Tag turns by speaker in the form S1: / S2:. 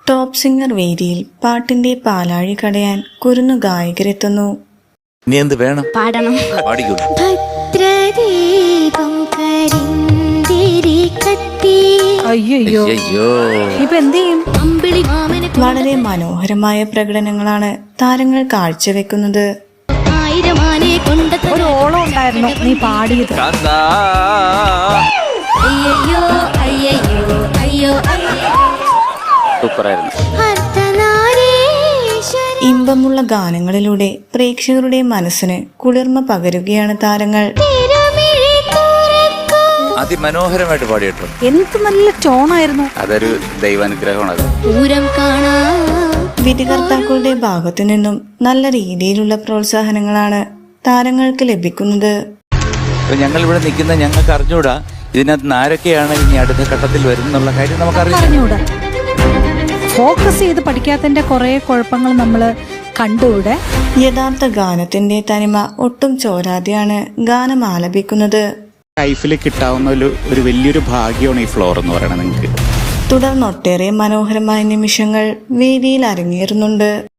S1: Top singer വേദിയിൽ പാട്ടിന്റെ പാലാഴി കടയാൻ കുരുന്നു ഗായകരെത്തുന്നു.
S2: നീ എന്ത് വേണം?
S3: പാടണം.
S2: പാടിക്കോ.
S3: അയ്യോ ഇപ്പൊ എന്ത് ചെയ്യും?
S1: വളരെ മനോഹരമായ പ്രകടനങ്ങളാണ് താരങ്ങൾ കാഴ്ചവെക്കുന്നത്.
S3: ഒരു ഓളം ഉണ്ടായിരുന്നു നീ പാടിയത്.
S1: ഇമ്പമുള്ള ഗാനങ്ങളിലൂടെ പ്രേക്ഷകരുടെ മനസ്സിന് കുളിർമ പകരുകയാണ് താരങ്ങൾ.
S2: അതിമനോഹരമായിട്ട് പാടിയിട്ടുണ്ട്.
S3: എന്ത് നല്ല ടോണായിരുന്നു.
S2: അതൊരു ദൈവാനുഗ്രഹമാണ്.
S1: വിധികർത്താക്കളുടെ ഭാഗത്തു നിന്നും നല്ല രീതിയിലുള്ള പ്രോത്സാഹനങ്ങളാണ് താരങ്ങൾക്ക് ലഭിക്കുന്നത്.
S2: ഞങ്ങൾ ഇവിടെ നിൽക്കുന്ന ഞങ്ങൾക്ക് അറിഞ്ഞൂടാ ഇതിനകത്ത് ആരൊക്കെയാണ് ഇനി അടുത്ത ഘട്ടത്തിൽ വരുന്നുള്ള കാര്യം നമുക്കറിഞ്ഞൂടാ.
S3: ഫോക്കസ് ചെയ്ത് പഠിക്കാത്തതിന്റെ കുറെ കുഴപ്പങ്ങൾ നമ്മൾ കണ്ടുകൂടെ.
S1: യഥാർത്ഥ ഗാനത്തിന്റെ തനിമ ഒട്ടും ചോരാതെയാണ് ഗാനം ആലപിക്കുന്നത്.
S4: ലൈഫിൽ കിട്ടാവുന്ന ഒരു വലിയൊരു ഭാഗ്യമാണ് ഈ ഫ്ലോർ എന്ന് പറയുന്നത് നിങ്ങൾക്ക്.
S1: തുടർന്നൊട്ടേറെ മനോഹരമായ നിമിഷങ്ങൾ വേദിയിൽ അരങ്ങേറുന്നുണ്ട്.